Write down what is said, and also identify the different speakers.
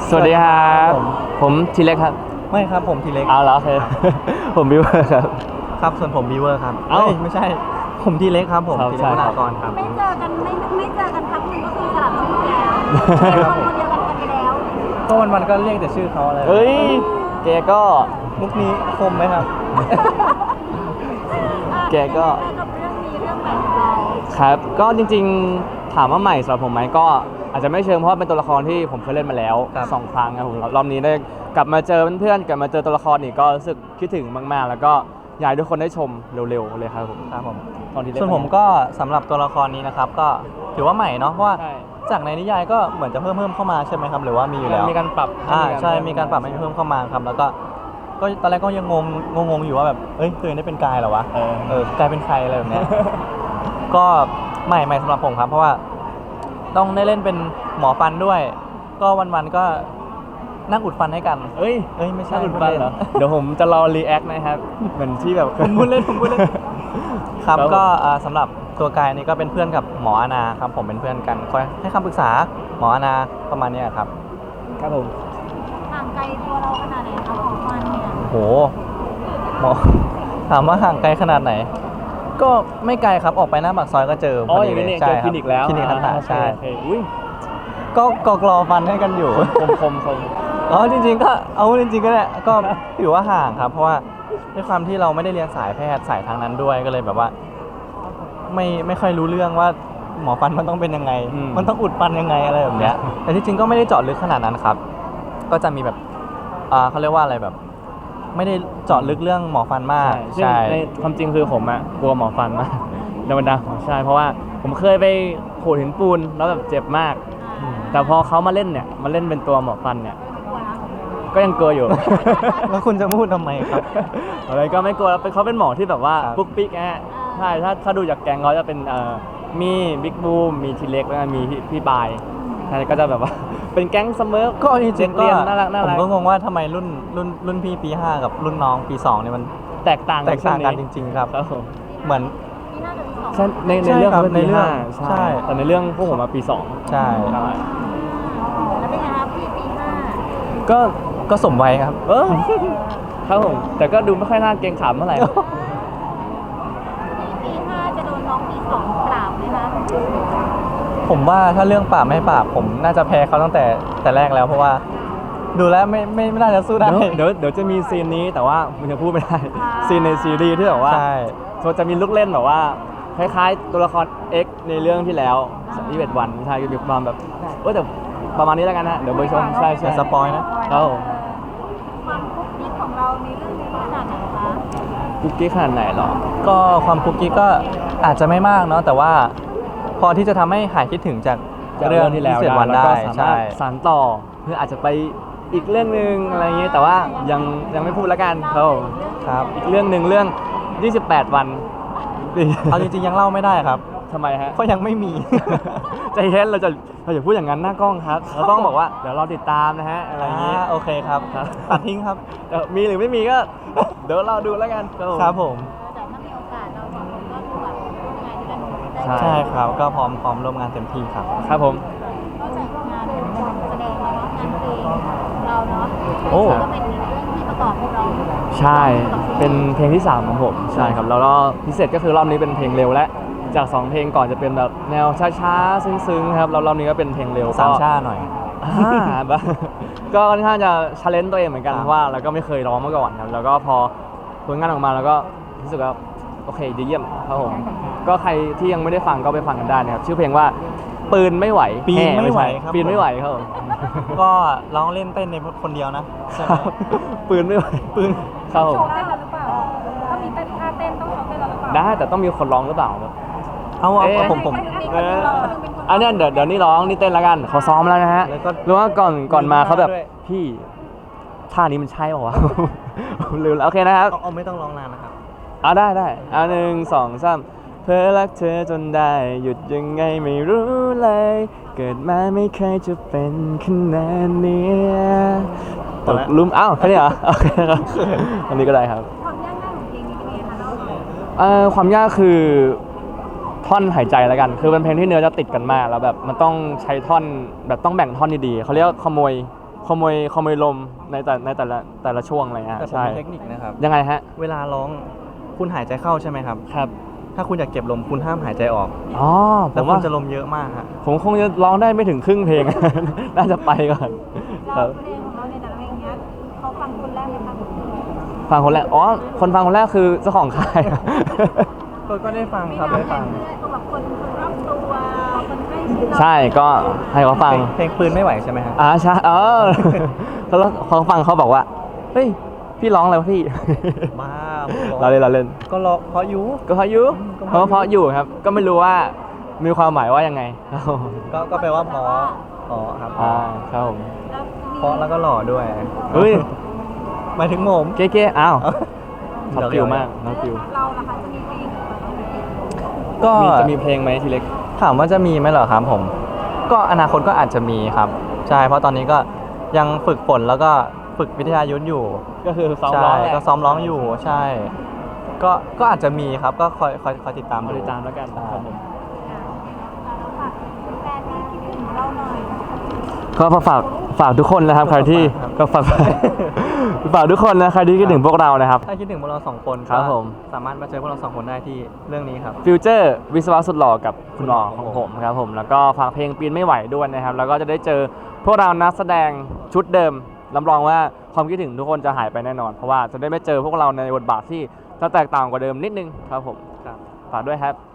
Speaker 1: สวัสดีครับผมทีเล็กครับ
Speaker 2: ไม่ครับผมทีเล็ก
Speaker 1: เอาแล้วโอเคผมบิวครับ
Speaker 2: ครับส่วนผมบีเวอร์ครับ
Speaker 1: เอ้า
Speaker 2: ไม่ใช่ผมทีเล็กครับผมทีเล็กวรากรครับ
Speaker 3: ไม่เจอกันไม่เจอกันครั้งหนึ่งก็คือสลับชื่อแล้ว
Speaker 2: ใช่ครับผม
Speaker 3: คนเดียวกันไปแล้ว
Speaker 2: ก็วันก็เรียกแต่ชื่อเขาอะไร
Speaker 1: เอ้ยแกก็
Speaker 2: มุกนี้คมไหมครับ
Speaker 1: แกก็
Speaker 3: กับเรื่องนี้เรื่องใหม่ของเรา
Speaker 1: ครับก็จริงๆถามว่าใหม่สำหรับผมไหมก็อาจจะไม่เชิงเพราะว่าเป็นตัวละครที่ผมเคยเล่นมาแล้ว
Speaker 2: ครับ
Speaker 1: 2 ครั้งครับผมรอบนี้ได้กลับมาเจอเพื่อนๆกลับมาเจอตัวละครอีกก็รู้สึกคิดถึงมากๆ แล้วก็อยากให้ทุกคนได้ชมเร็วๆเลยครับผม
Speaker 2: ครับผม
Speaker 1: ตอนที่เล่น
Speaker 2: ส่วนผมก็สำหรับตัวละครนี้นะครับก็ถือว่าใหม่เนาะเพราะว่า
Speaker 1: ใช่
Speaker 2: จากในนิยายก็เหมือนจะเพิ่มเข้ามาใช่ไหมครับหรือว่ามีอยู่แล้ว
Speaker 1: มีการปรับ
Speaker 2: ใช่มีการปรับให้เพิ่มเข้ามาครับแล้วก็ตอนแรกก็ยังงงอยู่ว่าแบบเอ้ยตัวเองได้เป็นกายเหรอวะกลายเป็นใครอะไรแบบเนี้ย ก็ใหม่สำหรับผมครับเพราะว่าต้องได้เล่นเป็นหมอฟันด้วย ก็วันๆก็นั่งอุดฟันให้กัน
Speaker 1: เอ้ย
Speaker 2: ไม่ใช่
Speaker 1: น่าอุ่นฟันเหรอเดี๋ยวผมจะรอรีแอคนะครับเหมือนที่แบบ
Speaker 2: ผมพูดเล่นครับ
Speaker 1: ครับ
Speaker 2: ก็สำหรับตัวกายนี่ก็เป็นเพื่อนกับหมออาณาครับผมเป็นเพื่อนกันคอยให้คำปรึกษาหมออาณาประมาณเนี้ยครับ
Speaker 1: ครับผม
Speaker 3: ห่างไกลตัวเราขนาดไหนคะของมันเนี่ย
Speaker 2: โหหมอถามว่าห่างไกลขนาดไหน ก็ไม่ไกลครับออกไปหน้าปากซอยก็เจอ
Speaker 1: อ๋อ
Speaker 2: พ
Speaker 1: อย่างนี้
Speaker 2: เล
Speaker 1: เนี่ย
Speaker 2: ใช่
Speaker 1: เจอ
Speaker 2: ค
Speaker 1: ครับ ลินิกแล้ว
Speaker 2: คลินิกทันตะใช่
Speaker 1: โอเคอุ้ย
Speaker 2: ก็กรอฟันให้กันอยู่
Speaker 1: คม
Speaker 2: อ๋อจริงๆก็เอาจริงๆก็เนี่ยก็ถือว่าห่างครับเพราะว่าด้วยความที่เราไม่ได้เรียนสายแพทย์สายทางนั้นด้วยก็เลยแบบว่า ไม่ค่อยรู้เรื่องว่าหมอฟันมันต้องเป็นยังไง มันต้องอุดฟันยังไงอะไรแบบเนี้ยแต่ที่จริงก็ไม่ได้เจาะลึกขนาดนั้นครับ ก็จะมีแบบเขาเรียกว่าอะไรแบบ ไม่ได้เจาะลึกเรื่องหมอฟันมาก
Speaker 1: ใช่ในความจริงคือผมอะกลัวหมอฟันมากในบรรดาใช่เพราะว่าผมเคยไปโขดหินปูนแล้วแบบเจ็บมาก แต่พอเขามาเล่นเนี่ยมาเล่นเป็นตัวหมอฟันเนี่ยก็ยังกลัวอยู่
Speaker 2: แล้วคุณจะพูดทำไมครับ
Speaker 1: อะไรก็ไม่กลัวแล้วเขาเป็นหมอที่แบบว่า
Speaker 2: ครับ
Speaker 1: ปุ๊กปิ๊กฮะใช่ถ้าดูจากแกงเขาจะเป็นมีบิ๊กบูมมีทีเล็กแล้วก็มีพี่ปายใช่ก็จะแบบว่า เป็นแก๊งเสมอ
Speaker 2: ก็จริงๆก็
Speaker 1: เรียนน่ารัก
Speaker 2: ผมก็งงว่าทำไมรุ่นพี่ปี 5 กับรุ่นน้องปี 2เนี่ยมัน
Speaker 1: แตกต่าง
Speaker 2: แตกต่างกันจ
Speaker 1: ช่ว
Speaker 2: ริง ๆ ครับ
Speaker 1: ครับผม
Speaker 2: เหมือน
Speaker 3: นี่น่าจะมีสอง
Speaker 1: ใช่ใน
Speaker 2: ใช่
Speaker 1: เรื่อง
Speaker 2: ครับ
Speaker 1: เขาเป็น
Speaker 2: ใน
Speaker 1: ปี
Speaker 2: เรื่อง
Speaker 1: 5
Speaker 2: ใช่
Speaker 1: แต่ในเรื่องพวกผมมาปี 2
Speaker 2: ใช่
Speaker 3: แล้วเป็นไงครับพี่ปีห้า
Speaker 2: ก็สมวัยครับ
Speaker 1: ครับผมแต่ก็ดูไม่ค่อยน่าเกรงขามเท่าไหร่
Speaker 3: พี่ปีห้าจะโดนน้องปีสองปราบไหมคะ
Speaker 2: ผมว่าถ้าเรื่องปราบไม่ปราบผมน่าจะแพ้เขาตั้งแต่แรกแล้วเพราะว่า ดูแล้วไม่น่าจะสู้ได้
Speaker 1: เดี๋ยวจะมีซีนนี้แต่ว่ามันจะพูดไม่ได้ ซีนในซีรีส์ที่แบบว่า
Speaker 2: ใช่
Speaker 1: จะมีลูกเล่นแบบว่าคล้ายๆตัวละคร X ในเรื่องที่แล้ว21 วันใช่ก็มีความแบบแต่ประมาณนี้แล้วกันนะเดี๋ยวไปชมใช่
Speaker 2: อย่าสปอยนะ
Speaker 1: ครับผม
Speaker 3: ความคุกกิ๊กของเราในเรื่องนี้ขนาดไหนคะ
Speaker 1: กุ๊กกิ๊กขนาดไหนหรอ
Speaker 2: ก็ความคุกกี้ก็อาจจะไม่มากเนาะแต่ว่าพอที่จะทำให้หายคิดถึงจากเรื่องที่แล้ววัน
Speaker 1: แล้ว
Speaker 2: ได้
Speaker 1: ก็สา
Speaker 2: ใช่
Speaker 1: มารถสานต่อเพื่ออาจจะไปอีกเรื่องนึงอะไรอย่างเงี้ยแต่ว่ายังไม่พูดแล้วกันครับผม
Speaker 2: ครับ
Speaker 1: อีกเรื่องหนึ่งเรื่อง 28 วัน
Speaker 2: เอาจริงๆยังเล่าไม่ได้ครับ
Speaker 1: ทำไมฮะ
Speaker 2: เพราะยังไม่มี
Speaker 1: ใจเย็นเราอย่าพูดอย่างนั้นหน้ากล้องครับ เราต้องบอกว่าเดี๋ยวเราติดตามนะฮะอะไรอย่างงี้
Speaker 2: โอเคครับ
Speaker 1: ครับ
Speaker 2: ตัดทิ้งครับ
Speaker 1: มีหรือไม่มีก็ เดี๋ยวเราดูแล้วกัน
Speaker 2: ครับผม
Speaker 3: แต่ถ้ามีโอกาสเราสองคนก็คือแบบร่วมงานด้วยกันได้
Speaker 1: ใช่
Speaker 2: ใช่ครับก็พร้อมร่วมงานเต็มที่ครับ
Speaker 1: ครับผม
Speaker 3: นอกจากงานแสดงแล้วเนาะงานเพลงเราเนาะ
Speaker 2: โอ้
Speaker 3: ก็เป็นเรื่องที่ประกอบร้อง
Speaker 1: ใช่เป็นเพลงที่ 3 ของผมใช่ครับแล้วก็พิเศษก็คือรอบนี้เป็นเพลงเร็วและจาก 2 เพลงก่อนจะเป็นแบบแนวช้าๆซึ้งๆครับแล้วรอบนี้ก็เป็นเพลงเร็ว
Speaker 2: สาม
Speaker 1: ก็
Speaker 2: ชาหน่อย
Speaker 1: บ้า ก็ค่อนข้างจะชาเลนจ์ตัวเองเหมือนกัน
Speaker 2: ครับ
Speaker 1: เพราะว่าเราก็ไม่เคยร้องมาก่อนครับแล้วก็พอผลงานออกมาแล้วก็รู้สึกว่าโอเคดีเยี่ยมครับผมก็ใครที่ยังไม่ได้ฟังก็ไปฟังกันได้นะครับชื่อเพลงว่าปืนไม่ไหว
Speaker 2: ปีนไม่ไหว
Speaker 1: ใช่
Speaker 2: ครับ
Speaker 1: ปีนไม่ไหวครับผม
Speaker 2: ก็ร้องเล่นเต้นในคนเดียวนะใช่ไหม
Speaker 1: ปืนไม่ไหว
Speaker 2: ปืน
Speaker 1: ครับผม
Speaker 3: โชว์ได้แล้วหรือเปล่าถ้ามีเต้นท่าเต้นต้องโชว์ได้แล้วหรือเปล่า
Speaker 1: ได้แต่ต้องมีคนร้องหรือเปล่าครับ
Speaker 2: เอา
Speaker 1: เอ๊ะ
Speaker 2: ผม
Speaker 1: เอออันเนี้ยเดี๋ยวนี่ร้องนี่เต้นแล้วกันเขาซ้อมแล้วนะฮะ
Speaker 2: แล้วก็
Speaker 1: หรือว่าก่อนมาเขาแบบ
Speaker 2: ด้วย
Speaker 1: พี่ท่านี้มันใช่เปล่าวะ ลืมแล้วโอเคนะครับ
Speaker 2: เอาไม่ต้องร้องนานนะครับ
Speaker 1: ได้1 2 3เพื่อรักเธอจนได้หยุดยังไงไม่รู้เลย เกิดมาไม่เคยจะเป็นขนาดนี้ตกหลุมอ้าวแค่นี้เหรอโอเคครับอันนี้ก็ได้ครับ
Speaker 3: ความยากง่ายของเพลงนี้เป็นยังไงคะเล่า
Speaker 1: ความยากคือท่อนหายใจแล้วกัน คือเป็นเพลงที่เนื้อจะติดกันมากแล้วแบบมันต้องใช้ท่อนแบบต้องแบ่งท่อนดีๆเขาเรียกว่าขโมยขโมยลมในแต่ละช่วงอะไรเงี้ย
Speaker 2: แต่ผม
Speaker 1: ใช่
Speaker 2: มีเทคนิคนะครับ
Speaker 1: ยังไงฮะ
Speaker 2: เวลาร้องคุณหายใจเข้าใช่ไหมครับ
Speaker 1: ครับ
Speaker 2: ถ้าคุณอยากเก็บลมคุณห้ามหายใจออก
Speaker 1: อ๋อผ
Speaker 2: แล้ว
Speaker 1: ม
Speaker 2: คุ
Speaker 1: ว่า
Speaker 2: ณจะลมเยอะมากฮะ
Speaker 1: ผมคงจะร้องได้ไม่ถึงครึ่งเพลง น่าจะไปก่อนค
Speaker 3: เรา
Speaker 1: รับ
Speaker 3: เพลงของเราในแต่ละเพลงเนี้ยเขาฟังคนแรกไหมคะ
Speaker 1: ฟังคนแรกอ๋อคนฟังคนแรกคือเจ้าของค่าย
Speaker 2: ก็ได้ฟัง
Speaker 3: มี
Speaker 2: ครับ
Speaker 3: น้ำ
Speaker 2: ได้
Speaker 3: แข็
Speaker 2: ฟั
Speaker 3: ง
Speaker 2: ง
Speaker 3: เพื่อนตัวแบบคนรอบตัวคนใกล้ชิดเรา
Speaker 1: ใช่ก็ให้เขาฟัง
Speaker 2: เพลงปืนไม่ไหวใช่ไหมฮะ
Speaker 1: ใช่แล้วเขาฟังเขาบอกว่าเฮ้ยพี่ร้องอะไรวะพี่
Speaker 2: บ้า
Speaker 1: เราเล่น
Speaker 2: ก็ร้องเพราะอยู
Speaker 1: ก็เพราะอยู่
Speaker 2: ก็
Speaker 1: เพ
Speaker 2: เพราะ
Speaker 1: ราะเพราะอยู่ครับ ก็ไม่รู้ว่ามีความหมายว่ายังไง ครับผม
Speaker 2: ก็แปลว่าเพราะอ๋อครับ
Speaker 1: ครับผม
Speaker 3: แล้วมี
Speaker 2: เพราะแล้วก็หล่อด้วย
Speaker 1: เฮ้ย
Speaker 2: หมายถึงผม
Speaker 1: เก๊ๆอ้าว
Speaker 2: เดี๋
Speaker 1: ท็อ
Speaker 2: ยว
Speaker 1: ปฟิลมากท็อปฟิล
Speaker 3: เราล่ะคะจะมีเพลงของเราไหม
Speaker 2: ก็
Speaker 1: จะมีเพลงไหมทีเล็ก
Speaker 2: ถามว่าจะมีไหมเหรอครับผม ก็อนาคตก็อาจจะมีครับ ใช่เพราะตอนนี้ก็ยังฝึกฝนแล้วก็ฝึกวิทยายุทธอยู่
Speaker 1: ก็คือซ้อม
Speaker 2: ใช่
Speaker 1: ร้องแหละ
Speaker 2: ก็ซ้อมร้องอยู่ใช่ ก็อาจจะมีครับก็คอยติดตาม
Speaker 1: มา
Speaker 2: ดู
Speaker 1: ติดตามแล้วกันครับผม
Speaker 3: เราฝากแฟนที่คิดถึงเราหน่อย
Speaker 1: ก็ฝากทุกคนนะครับใครที่ก็ฝาก ฝากทุกคนนะใครที่คิดถึงพวกเรานะครับ
Speaker 2: ถ้าคิดถึงพวกเราสองคน
Speaker 1: ครับผม
Speaker 2: สามารถมาเจอพวกเราสองคนได้ที่เรื่องนี้ครับ
Speaker 1: ฟิวเจอร์วิศวะสุดหล่อกับคุณหมอของผมครับผมแล้วก็ฟังเพลงปีนไม่ไหวด้วยนะครับ แล้วก็จะได้เจอพวกเรานักแสดงชุดเดิมรับรองว่าความคิดถึงทุกคนจะหายไปแน่นอน เพราะว่าจะได้ไม่เจอพวกเราในบทบาทที่จะแตกต่างกว่าเดิมนิดนึงครับผม
Speaker 2: ครับ
Speaker 1: ฝากด้วยครับ